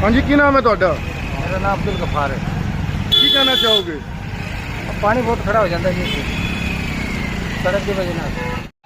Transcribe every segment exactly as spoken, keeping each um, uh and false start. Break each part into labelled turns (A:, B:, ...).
A: हाँ जी, की नाम है ਤੁਹਾਡਾ?
B: मेरा नाम अब्दुल गफार है।
A: की कहना चाहोगे?
B: अब पानी बहुत खड़ा हो जाता है जी सड़क की वजह से।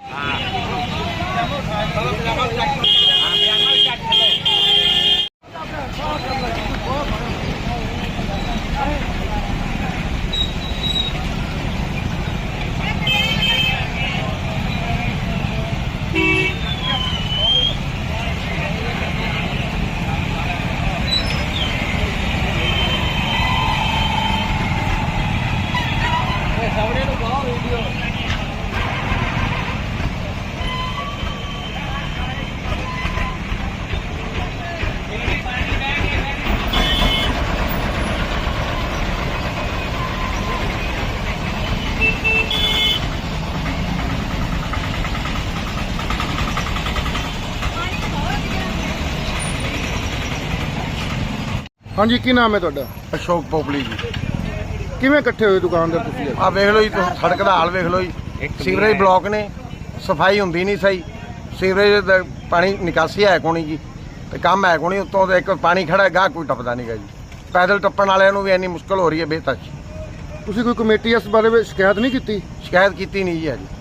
A: हाँ जी, की नाम है ਤੁਹਾਡਾ?
C: ਅਸ਼ੋਕ ਪੋਪਲੀ ਜੀ।
A: ਕਿਵੇਂ ਇਕੱਠੇ ਹੋਏ ਦੁਕਾਨਦਾਰ ਤੁਸੀਂ?
C: ਆ ਵੇਖ ਲਓ ਜੀ, ਤੁਸੀਂ ਸੜਕ ਦਾ ਹਾਲ ਵੇਖ ਲਓ ਜੀ। ਸੀਵਰੇਜ ਬਲੌਕ ਨੇ, ਸਫਾਈ ਹੁੰਦੀ ਨਹੀਂ ਸਹੀ। ਸੀਵਰੇਜ ਦਾ ਪਾਣੀ ਨਿਕਾਸੀ ਹੈ ਕੋਣੀ ਜੀ, ਤੇ ਕੰਮ ਹੈ ਕੋਣੀ। ਉੱਤੋਂ ਇੱਕ ਪਾਣੀ ਖੜਾ ਗਾਹ ਕੋਈ ਟੱਪਦਾ ਨਹੀਂਗਾ ਜੀ। ਪੈਦਲ ਟੱਪਣ ਵਾਲਿਆਂ ਨੂੰ ਵੀ ਇੰਨੀ ਮੁਸ਼ਕਲ ਹੋ ਰਹੀ ਹੈ ਬੇਤੱਜ।
A: ਤੁਸੀਂ ਕੋਈ ਕਮੇਟੀ ਇਸ ਬਾਰੇ ਵਿੱਚ ਸ਼ਿਕਾਇਤ ਨਹੀਂ ਕੀਤੀ?
C: ਸ਼ਿਕਾਇਤ ਕੀਤੀ ਨਹੀਂ ਜੀ ਹਜੇ।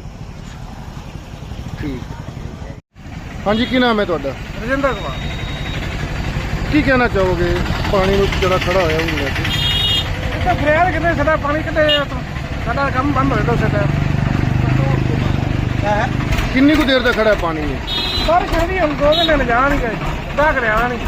A: ਠੀਕ। हाँ जी, की नाम है ਤੁਹਾਡਾ?
B: रजिंदर कुमार।
A: ਕੀ ਕਹਿਣਾ ਚਾਹੋਗੇ ਪਾਣੀ ਨੂੰ ਜਿਹੜਾ ਖੜਾ ਹੋਇਆ ਉਹਨੂੰ ਲੈ ਕੇ?
B: तो फरियाद कितने साडा पानी कितने साडा काम बंद हो जाता साडा।
A: ਕਿੰਨੀ ਕੁ ਦੇਰ ਦਾ ਖੜਾ ਹੈ ਪਾਣੀ ਇਹ?
B: बारिश नहीं हम दो दिन ले जा नहीं गए क्या करे आना नहीं।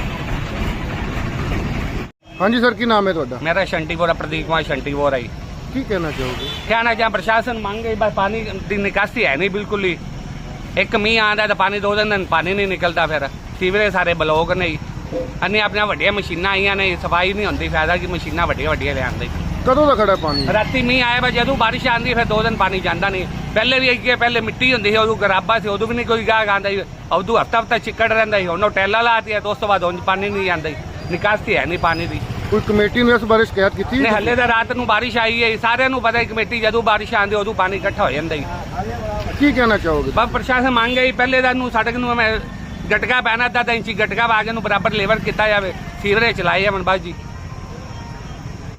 A: हाँ जी सर, की नाम है ਤੁਹਾਡਾ?
D: मेरा शंटीपुरा प्रदीप कुमार शंटीपुरा ही।
A: ਕੀ ਕਹਿਣਾ ਚਾਹੋਗੇ?
D: कहना चाह प्रशासन मांग गई बस पानी की निकासी है नहीं बिल्कुल ही। एक मीह आंदा तो पानी दो दिन पानी नहीं निकलता, फिर सीवरेज सारे ब्लॉक नहीं। अन्य अपने वड्डिया मशीनां आईयां ने, सफाई नहीं होती, फायदा की मशीनां वड्डिया वड्डिया ले आंदे।
A: ਕਦੋਂ ਦਾ ਖੜਾ ਹੈ ਪਾਣੀ?
D: राती मीह आया बस जदों बारिश आंदी फिर दो दिन पानी जांदा नहीं। पहले भी अगे पहले मिट्टी होंदी सी, उदों गराबा सी, उदों भी नहीं कोई गाहक आंदा ही। उदों हफ्ता हफ्ता चिक्कड़ रहिंदा ही। हुण टैला लाती है तो उस तो बाद हुण पानी नहीं आंदा ही। निकासी है नहीं पानी की।
A: ਕੋਈ ਕਮੇਟੀ ਨੂੰ ਇਸ ਬਾਰੇ ਸ਼ਿਕਾਇਤ ਕੀਤੀ?
D: नहीं हले तो रात नूं बारिश आई है, सारिਆਂ ਨੂੰ पता है कमेटी जदों बारिश आंदी उदों पानी इकट्ठा हो जांदा ही।
A: ਕੀ ਕਹਿਣਾ ਚਾਹੋਗੇ?
D: बस प्रशासन मांग गई पहले तो सड़क नूं गटका पैना अद्धा इंची गटका पा के बराबर लेवल किया जाए, सीवरेज चलाए जावन बस जी।